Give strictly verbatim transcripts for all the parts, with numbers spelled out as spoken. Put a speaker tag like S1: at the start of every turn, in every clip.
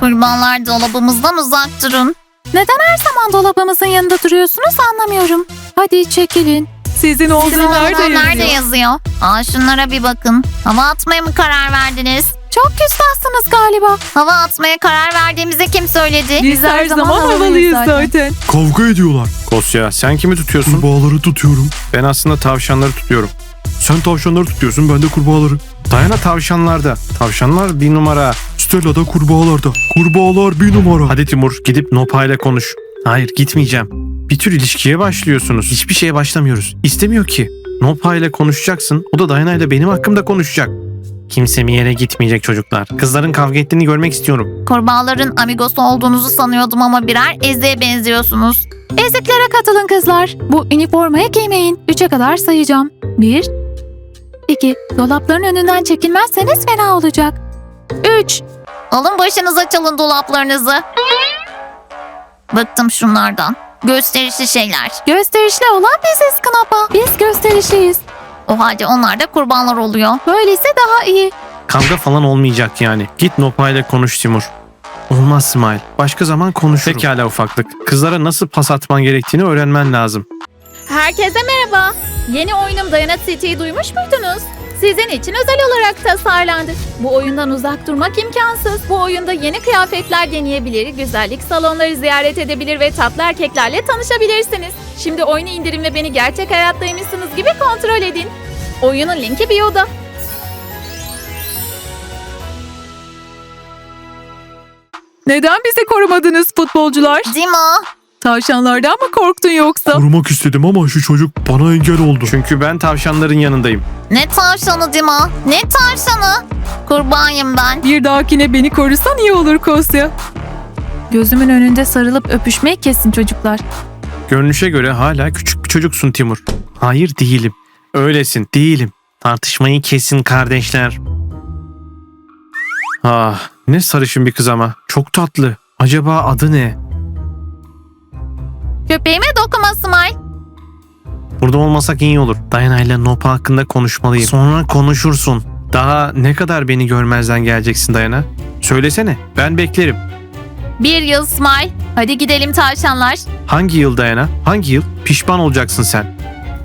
S1: Kurbanlar dolabımızdan uzak durun.
S2: Neden her zaman dolabımızın yanında duruyorsunuz anlamıyorum. Hadi çekilin. Sizin olduğu
S1: Sizin
S2: nerede
S1: olduğu nerede
S2: yazıyor?
S1: yazıyor? Aa, şunlara bir bakın. Hava atmaya mı karar verdiniz?
S2: Çok küstahsınız galiba.
S1: Hava atmaya karar verdiğimizi kim söyledi?
S2: Biz her zaman havalıyız zaten.
S3: Kavga ediyorlar.
S4: Kosya, sen kimi tutuyorsun?
S3: Kurbağaları tutuyorum.
S4: Ben aslında tavşanları tutuyorum.
S3: Sen tavşanları tutuyorsun, ben de kurbağaları.
S4: Dayana tavşanlarda. Tavşanlar bir numara.
S3: Stella da kurbağalarda. Kurbağalar bir numara.
S4: Hadi Timur, gidip Nopa ile konuş. Hayır, gitmeyeceğim. Bir tür ilişkiye başlıyorsunuz. Hiçbir şeye başlamıyoruz. İstemiyor ki. Nopa ile konuşacaksın. O da Dayana ile benim hakkımda konuşacak. Kimse bir yere gitmeyecek çocuklar. Kızların kavga ettiğini görmek istiyorum.
S1: Kurbağaların amigosu olduğunuzu sanıyordum ama birer eziğe benziyorsunuz.
S2: Eziklere katılın kızlar. Bu üniformayı giymeyin. Üçe kadar sayacağım. Bir, iki. Dolapların önünden çekilmezseniz fena olacak. Üç.
S1: Alın başınıza, çalın dolaplarınızı. Bıktım şunlardan. Gösterişli şeyler.
S2: Gösterişli olan biziz Knapa. Biz gösterişliyiz.
S1: O halde onlar da kurbanlar oluyor.
S2: Böyleyse daha iyi.
S4: Kavga falan olmayacak yani. Git Nopa ile konuş Timur. Olmaz Smile. Başka zaman konuşuruz. Pekala ufaklık. Kızlara nasıl pas atman gerektiğini öğrenmen lazım.
S5: Herkese merhaba. Yeni oyunum Dayana City'yi duymuş muydunuz? Sizin için özel olarak tasarlandı. Bu oyundan uzak durmak imkansız. Bu oyunda yeni kıyafetler deneyebilir, güzellik salonları ziyaret edebilir ve tatlı erkeklerle tanışabilirsiniz. Şimdi oyunu indirin ve beni gerçek hayattaymışsınız gibi kontrol edin. Oyunun linki bio'da.
S2: Neden bizi korumadınız futbolcular?
S1: Dima,
S2: Tavşanlardan mı korktun yoksa?
S3: Korumak istedim ama şu çocuk bana engel oldu.
S4: Çünkü ben tavşanların yanındayım.
S1: ne tavşanı Dima? Ne tavşanı? Kurbanıyım ben.
S2: Bir dahakine beni korusan iyi olur Kosya. Gözümün önünde sarılıp öpüşmeyi kesin çocuklar.
S4: Görünüşe göre hala küçük bir çocuksun Timur. Hayır değilim. Öylesin, değilim. Tartışmayı kesin kardeşler. Ah, ne sarışın bir kız ama. Çok tatlı. Acaba adı ne?
S1: Köpeğime dokunma Smile.
S4: Burada olmasak iyi olur. Dayana ile Nopa hakkında konuşmalıyım. Sonra konuşursun. Daha ne kadar beni görmezden geleceksin Dayana? Söylesene, ben beklerim.
S1: Bir yıl Smile. Hadi gidelim tavşanlar.
S4: Hangi yıl Dayana? Hangi yıl? Pişman olacaksın sen.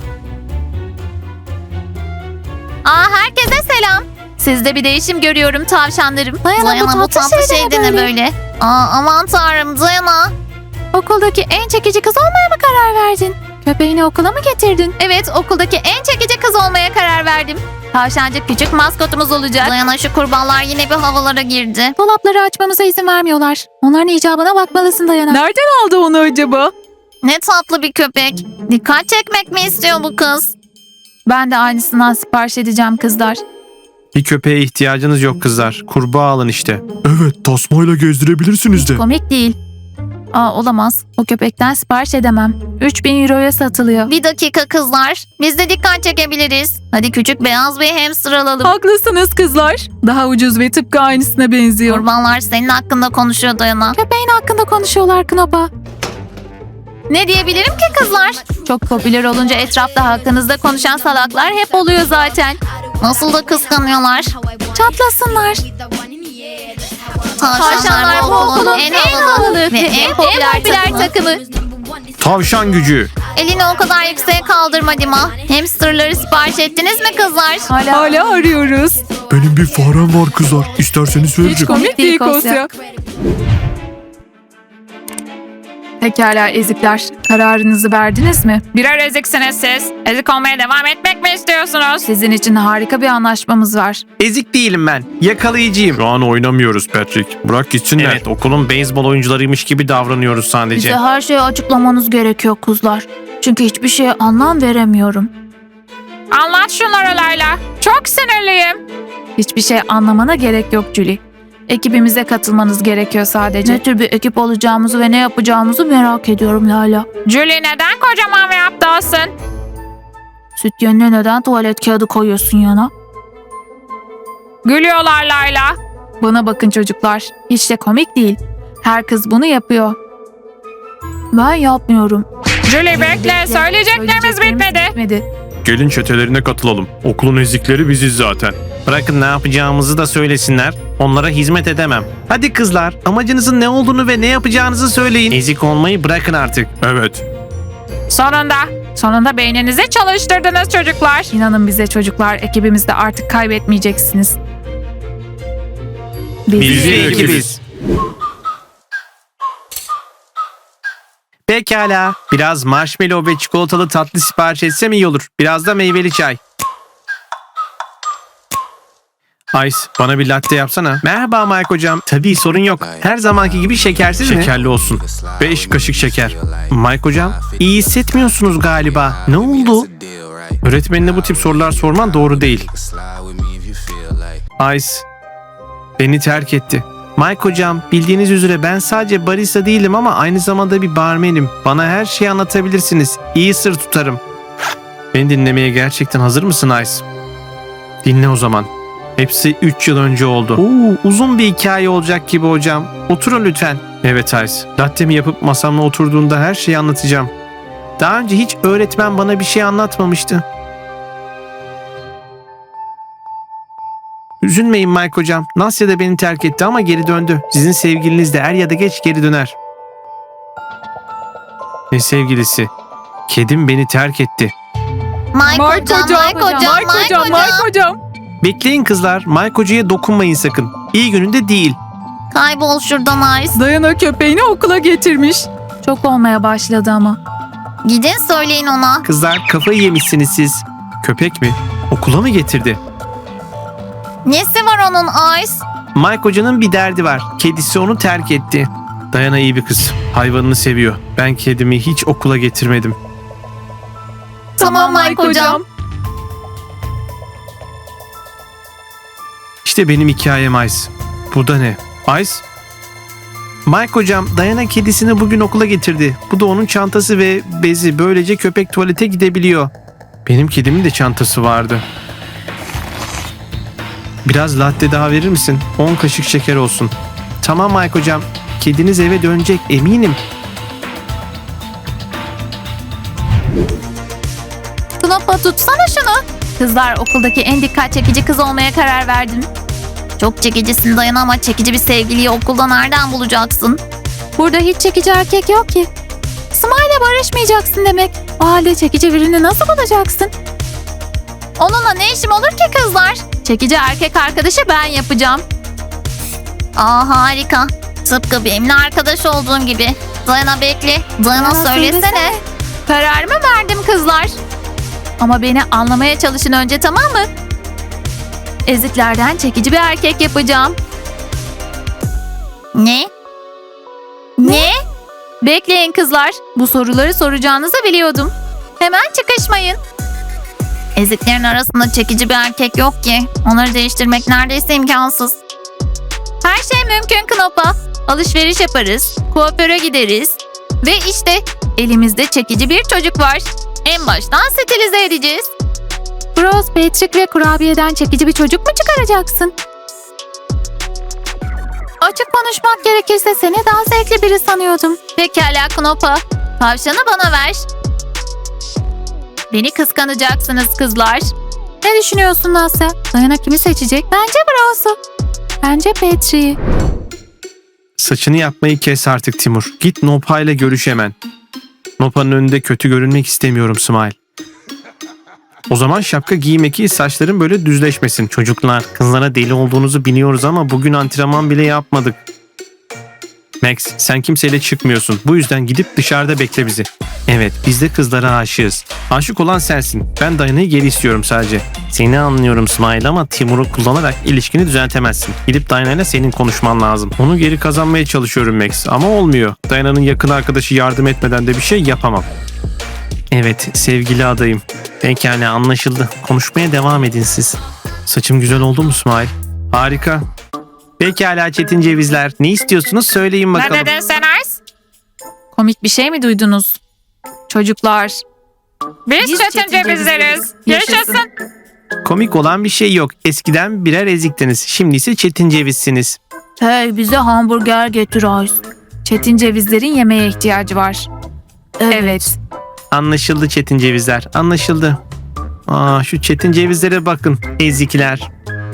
S1: Aa, herkese selam. Sizde bir değişim görüyorum tavşanlarım.
S2: Dayana, bu
S1: bu
S2: tatlı
S1: tatlı
S2: şey
S1: şey
S2: de
S1: de
S2: ne
S1: ne
S2: böyle?
S1: böyle? Aa, aman tanrım Dayana.
S2: Okuldaki en çekici kız olmaya mı karar verdin? Köpeğini okula mı getirdin?
S1: Evet, okuldaki en çekici kız olmaya karar verdim. Tavşancık küçük maskotumuz olacak. Dayana, şu kurbanlar yine bir havalara girdi.
S2: Dolapları açmamıza izin vermiyorlar. Onların icabına bakmalısın Dayana. Nereden aldı onu acaba?
S1: Ne tatlı bir köpek. Dikkat çekmek mi istiyor bu kız?
S2: Ben de aynısından sipariş edeceğim kızlar.
S4: Bir köpeğe ihtiyacınız yok kızlar. Kurbağa alın işte.
S3: Evet, tasmayla gezdirebilirsiniz de.
S2: Komik değil. Aa, olamaz. O köpekten sipariş edemem. üç bin euroya satılıyor.
S1: Bir dakika kızlar. Biz de dikkat çekebiliriz. Hadi küçük beyaz bir hamster alalım.
S2: Haklısınız kızlar. Daha ucuz ve tıpkı aynısına benziyor.
S1: Kurbanlar senin hakkında konuşuyor Dayana.
S2: Köpeğin hakkında konuşuyorlar Knopa.
S1: Ne diyebilirim ki kızlar?
S2: Çok popüler olunca etrafta hakkınızda konuşan salaklar hep oluyor zaten.
S1: Nasıl da kıskanıyorlar.
S2: Çatlasınlar.
S1: Tavşanlar bu okulun en havalı ve en popüler takımı.
S4: Tavşan gücü.
S1: Elini o kadar yükseğe kaldırma Dima. Hamsterları sipariş ettiniz mi kızlar?
S2: Hala, Hala arıyoruz.
S3: Benim bir farem var kızlar. İsterseniz
S2: Hiç
S3: veririm.
S2: komik değil Kosya. Pekala ezikler. Kararınızı verdiniz mi?
S6: Birer eziksiniz siz. Ezik olmaya devam etmek mi istiyorsunuz?
S2: Sizin için harika bir anlaşmamız var.
S4: Ezik değilim ben. Yakalayıcıyım.
S3: Şu an oynamıyoruz Patrick. Bırak gitsinler.
S4: Evet, okulun beyzbol oyuncularıymış gibi davranıyoruz sadece.
S2: Bize her şeyi açıklamanız gerekiyor kızlar. Çünkü hiçbir şeye anlam veremiyorum.
S6: Anlat şunları Layla. Çok sinirliyim.
S2: Hiçbir şey anlamana gerek yok Julie. Ekibimize katılmanız gerekiyor sadece. Ne tür bir ekip olacağımızı ve ne yapacağımızı merak ediyorum Lala.
S6: Julie neden kocaman ve aptalsın?
S2: Süt yerine neden tuvalet kağıdı koyuyorsun yana?
S6: Gülüyorlar Layla.
S2: Bana bakın çocuklar. Hiç de komik değil. Her kız bunu yapıyor. Ben yapmıyorum.
S6: Julie bekle. Söyleyeceklerimiz bitmedi.
S2: bitmedi.
S3: Gelin çetelerine katılalım. Okulun ezikleri biziz zaten.
S4: Bırakın ne yapacağımızı da söylesinler. Onlara hizmet edemem. Hadi kızlar, amacınızın ne olduğunu ve ne yapacağınızı söyleyin. Ezik olmayı bırakın artık.
S3: Evet.
S6: Sonunda. Sonunda beyninizi çalıştırdınız çocuklar.
S2: İnanın bize çocuklar, ekibimizde artık kaybetmeyeceksiniz.
S4: Biz bir ekibiz. Pekala. Biraz marshmallow ve çikolatalı tatlı sipariş etsem iyi olur. Biraz da meyveli çay. Ice, bana bir latte yapsana. Merhaba Mike hocam. Tabii sorun yok. Her zamanki gibi şekersiz mi? Şekerli olsun. Beş kaşık şeker. Mike hocam, iyi hissetmiyorsunuz galiba. Ne oldu? Öğretmenine bu tip sorular sorman doğru değil. Ice, beni terk etti. Mike hocam, bildiğiniz üzere ben sadece barista değilim ama aynı zamanda bir barmenim. Bana her şeyi anlatabilirsiniz. İyi sır tutarım. Beni dinlemeye gerçekten hazır mısın Ice? Dinle o zaman. Hepsi üç yıl önce oldu. Oo, uzun bir hikaye olacak gibi hocam. Oturun lütfen. Evet Ice. Latte'mi yapıp masamla oturduğunda her şeyi anlatacağım. Daha önce hiç öğretmen bana bir şey anlatmamıştı. Üzülmeyin Mike hocam. Nasya da beni terk etti ama geri döndü. Sizin sevgiliniz de er ya da geç geri döner. Ne sevgilisi? Kedim beni terk etti.
S1: Mike, hocam, Mike hocam, Mike hocam.
S2: hocam.
S4: Bekleyin kızlar. Mike hocaya dokunmayın sakın. İyi gününde değil.
S1: Kaybol şuradan Ice.
S2: Dayana köpeğini okula getirmiş. Çok olmaya başladı ama.
S1: Gidin söyleyin ona.
S4: Kızlar kafayı yemişsiniz siz. Köpek mi? Okula mı getirdi?
S1: Nesi var onun Ice?
S4: Mike hocanın bir derdi var. Kedisi onu terk etti. Dayana iyi bir kız. Hayvanını seviyor. Ben kedimi hiç okula getirmedim.
S1: Tamam Mike hocam.
S4: İşte benim hikayem Ice. Bu da ne? Ice? Mike hocam Dayana kedisini bugün okula getirdi. Bu da onun çantası ve bezi. Böylece köpek tuvalete gidebiliyor. Benim kedimin de çantası vardı. Biraz latte daha verir misin? on kaşık şeker olsun. Tamam Mike hocam. Kediniz eve dönecek eminim.
S1: Knoppa tutsana şunu. Kızlar, okuldaki en dikkat çekici kız olmaya karar verdim. Çok çekicisin Dayana ama çekici bir sevgiliyi okulda nereden bulacaksın?
S2: Burada hiç çekici erkek yok ki. Smile'le barışmayacaksın demek. O halde çekici birini nasıl bulacaksın?
S1: Onunla ne işim olur ki kızlar? Çekici erkek arkadaşı ben yapacağım. Aa harika. Tıpkı benimle arkadaş olduğum gibi. Dayana bekle. Dayana
S2: Dayana
S1: söylesene.
S2: söylesene.
S1: Kararımı verdim kızlar. Ama beni anlamaya çalışın önce, tamam mı? Eziklerden çekici bir erkek yapacağım. Ne? Ne? Bekleyin kızlar. Bu soruları soracağınızı biliyordum. Hemen çıkışmayın. Eziklerin arasında çekici bir erkek yok ki. Onları değiştirmek neredeyse imkansız. Her şey mümkün Knoppa. Alışveriş yaparız, kuaföre gideriz. Ve işte elimizde çekici bir çocuk var. En baştan stilize edeceğiz.
S2: Bros, Patrick ve kurabiyeden çekici bir çocuk mu çıkaracaksın? Açık konuşmak gerekirse seni daha zevkli biri sanıyordum.
S1: Pekala Knoppa. Tavşanı bana ver. Beni kıskanacaksınız kızlar.
S2: Ne düşünüyorsun Nasya? Dayana kimi seçecek? Bence Bros'u. Bence Patrick'i.
S4: Saçını yapmayı kes artık Timur. Git Nopa ile görüş hemen. Nopa'nın önünde kötü görünmek istemiyorum Smile. O zaman şapka giyme ki saçların böyle düzleşmesin. Çocuklar, kızlara deli olduğunuzu biliyoruz ama bugün antrenman bile yapmadık. Max, sen kimseyle çıkmıyorsun. Bu yüzden gidip dışarıda bekle bizi. Evet, biz de kızlara aşığız. Aşık olan sensin. Ben Dayana'yı geri istiyorum sadece. Seni anlıyorum Smile ama Timur'u kullanarak ilişkini düzeltemezsin. Gidip Dayana'yla senin konuşman lazım. Onu geri kazanmaya çalışıyorum Max ama olmuyor. Dayana'nın yakın arkadaşı yardım etmeden de bir şey yapamam. Evet, sevgili adayım. Pekala, anlaşıldı. Konuşmaya devam edin siz. Saçım güzel oldu mu Smile? Harika. Pekala Çetin Cevizler. Ne istiyorsunuz söyleyin bakalım.
S6: Ne dedin sen Ice?
S2: Komik bir şey mi duydunuz? Çocuklar.
S6: Biz,
S1: Biz
S6: Çetin
S1: Çetin
S6: Cevizleriz.
S1: Yaşasın.
S6: Yaşasın.
S4: Komik olan bir şey yok. Eskiden birer eziktiniz. Şimdi ise Çetin Cevizsiniz.
S2: Hey, bize hamburger getir Ice. Çetin Cevizlerin yemeğe ihtiyacı var. Evet.
S4: Anlaşıldı Çetin Cevizler. Anlaşıldı. Aa, şu Çetin Cevizlere bakın. Ezikler.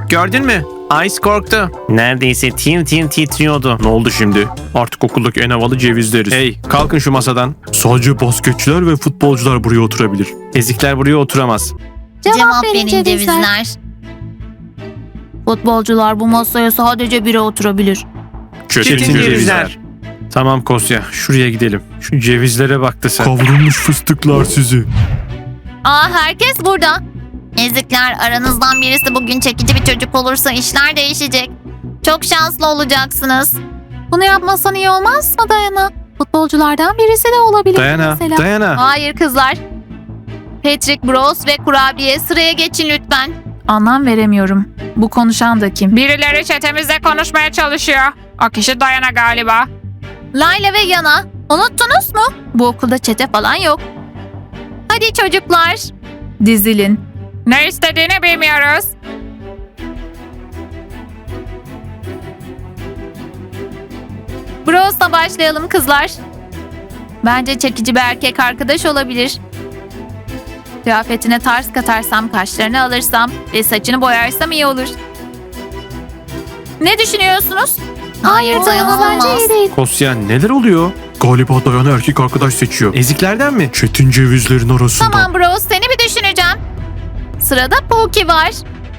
S4: Bak gördün mü? Ice korktu. Neredeyse tim tim titriyordu.
S3: Ne oldu şimdi? Artık okuldaki en havalı cevizleriz.
S4: Hey kalkın şu masadan.
S3: Sadece basketçiler ve futbolcular buraya oturabilir.
S4: Ezikler buraya oturamaz.
S1: Cevap, verin cevizler. Futbolcular bu masaya sadece biri oturabilir.
S3: Çetin,
S4: Çetin cevizler. Tamam Kosya şuraya gidelim. Şu cevizlere baktı sen.
S3: Kavrulmuş fıstıklar sizi.
S1: Aa, herkes burada. Ezikler, aranızdan birisi bugün çekici bir çocuk olursa işler değişecek. Çok şanslı olacaksınız.
S2: Bunu yapmasan iyi olmaz mı Dayana? Futbolculardan birisi de olabilir
S4: Dayana,
S2: mesela.
S4: Dayana.
S1: Hayır kızlar. Patrick, Bros ve Kurabiye sıraya geçin lütfen.
S2: Anlam veremiyorum. Bu konuşan da kim?
S6: Birileri çetemizle konuşmaya çalışıyor. O kişi Dayana galiba.
S1: Layla ve Yana, unuttunuz mu? Bu okulda çete falan yok. Hadi çocuklar.
S2: Dizilin.
S6: Ne istediğini bilmiyoruz.
S1: Bros'la başlayalım kızlar. Bence çekici bir erkek arkadaş olabilir. Kıyafetine tarz katarsam, kaşlarını alırsam ve saçını boyarsam iyi olur. Ne düşünüyorsunuz? Hayır, dayanılmaz.
S4: Kosya neler oluyor?
S3: Galiba Dayana erkek arkadaş seçiyor.
S4: Eziklerden mi?
S3: Çetin cevizlerin arasında.
S1: Tamam Bros, seni bir düşüneceğim. Sırada Pookie var.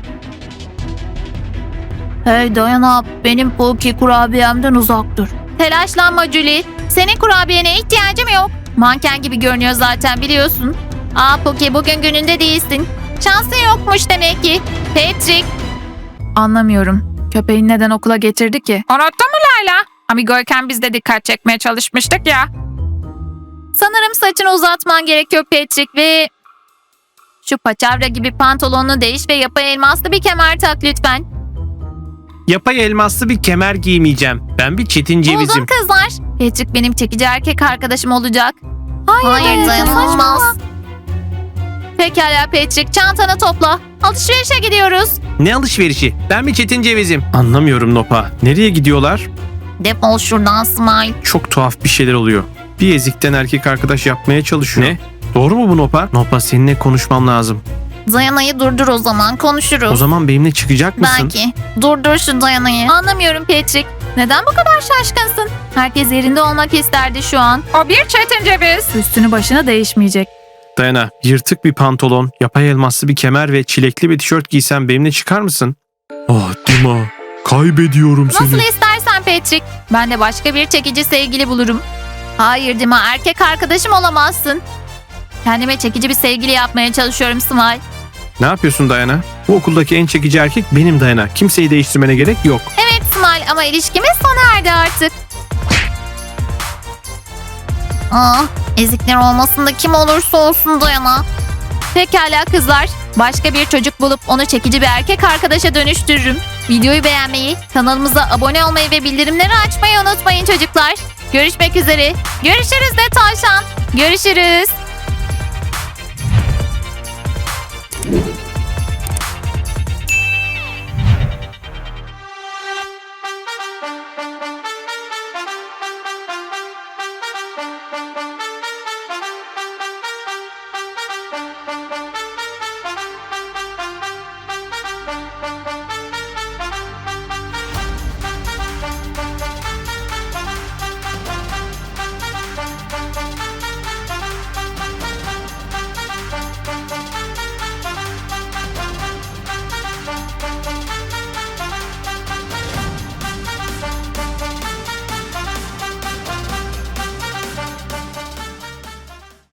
S1: Hey Dayana, benim Pookie kurabiyemden uzak dur. Telaşlanma Julie. Senin kurabiyene ihtiyacım yok. Manken gibi görünüyor zaten biliyorsun. Aa Pookie, bugün gününde değilsin. Şansın yokmuş demek ki. Patrick.
S2: Anlamıyorum. Köpeğin neden okula getirdi ki?
S6: Unuttun mu Layla? Amigoyken biz de dikkat çekmeye çalışmıştık ya.
S1: Sanırım saçını uzatman gerekiyor Patrick ve... Şu paçavra gibi pantolonunu değiş ve yapay elmaslı bir kemer tak lütfen.
S4: Yapay elmaslı bir kemer giymeyeceğim. Ben bir çetin cevizim.
S1: Buldum kızlar. Patrick benim çekici erkek arkadaşım olacak.
S2: Hayır,
S1: Hayır
S2: Dayana,
S1: dayanılmaz. Pekala Patrick, çantanı topla. Alışverişe gidiyoruz.
S4: Ne alışverişi? Ben bir çetin cevizim. Anlamıyorum Nopa. Nereye gidiyorlar?
S1: Defol şuradan Smile.
S4: Çok tuhaf bir şeyler oluyor. Bir ezikten erkek arkadaş yapmaya çalışıyor. Ne? Doğru mu bu Nopa? Nopa seninle konuşmam lazım.
S1: Dayana'yı durdur o zaman, konuşuruz.
S4: O zaman benimle çıkacak mısın?
S1: Belki. Durdur şu Dayana'yı. Anlamıyorum Patrick. Neden bu kadar şaşkınsın? Herkes yerinde olmak isterdi şu an.
S6: O bir çetin ceviz.
S2: Üstünü başına değişmeyecek.
S4: Dayana, yırtık bir pantolon, yapay elmaslı bir kemer ve çilekli bir tişört giysen benimle çıkar mısın?
S3: Ah Dima, kaybediyorum
S1: Nasıl
S3: seni.
S1: istersen Patrick. Ben de başka bir çekici sevgili bulurum. Hayır Dima, erkek arkadaşım olamazsın. Kendime çekici bir sevgili yapmaya çalışıyorum Smile.
S4: Ne yapıyorsun Dayana? Bu okuldaki en çekici erkek benim Dayana. Kimseyi değiştirmene gerek yok.
S1: Evet Smile, ama ilişkimiz sona erdi artık. Ah, ezikler olmasın da kim olursa olsun Dayana. Pekala kızlar. Başka bir çocuk bulup onu çekici bir erkek arkadaşa dönüştürürüm. Videoyu beğenmeyi, kanalımıza abone olmayı ve bildirimleri açmayı unutmayın çocuklar. Görüşmek üzere. Görüşürüz de tavşan. Görüşürüz.